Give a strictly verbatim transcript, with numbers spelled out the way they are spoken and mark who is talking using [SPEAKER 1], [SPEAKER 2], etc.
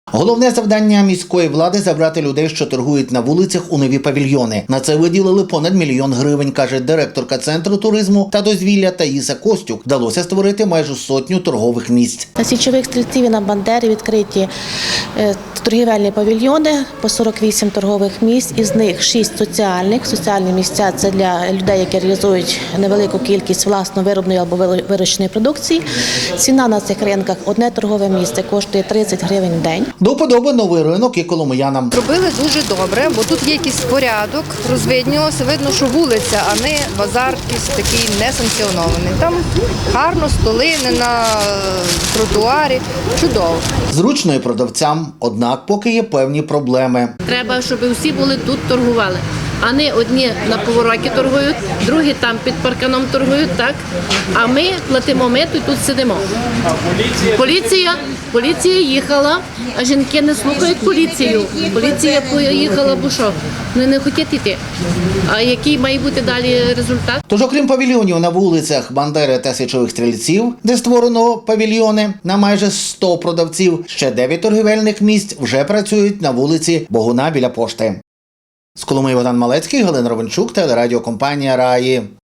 [SPEAKER 1] Головне завдання міської влади – забрати людей, що торгують на вулицях, у нові павільйони. На це виділили понад мільйон гривень, каже директорка Центру туризму та дозвілля Таїса Костюк. Вдалося створити майже сотню торгових місць.
[SPEAKER 2] На Січових Стрільців і на Бандері відкриті торгівельні павільйони по сорок вісім торгових місць, із них шість соціальних. Соціальні місця – це для людей, які реалізують невелику кількість власно виробної або вирощеної продукції. Ціна на цих ринках – одне торгове місце коштує тридцять гривень в день.
[SPEAKER 1] До вподоби новий ринок і коломиянам.
[SPEAKER 3] Робили дуже добре, бо тут є якийсь порядок, розвиднілося, видно, що вулиця, а не базар якийсь такий несанкціонований. Там гарно, столи, не на тротуарі, чудово.
[SPEAKER 1] Зручно і продавцям, однак поки є певні проблеми.
[SPEAKER 4] Треба, щоб усі були тут, торгували. А не одні на повороті торгують, другі там під парканом торгують, так? А ми платимо мито і тут сидимо. Поліція, поліція їхала, а жінки не слухають поліцію. Поліція поїхала, бо що? Вони не хочуть йти. А який має бути далі результат?
[SPEAKER 1] Тож, окрім павільйонів на вулицях Бандери та Січових Стрільців, де створено павільйони на майже сто продавців, ще дев'ять торгівельних місць вже працюють на вулиці Богуна біля пошти. З Коломиї Богдан Малецький, Галина Ровенчук, телерадіокомпанія «Раї».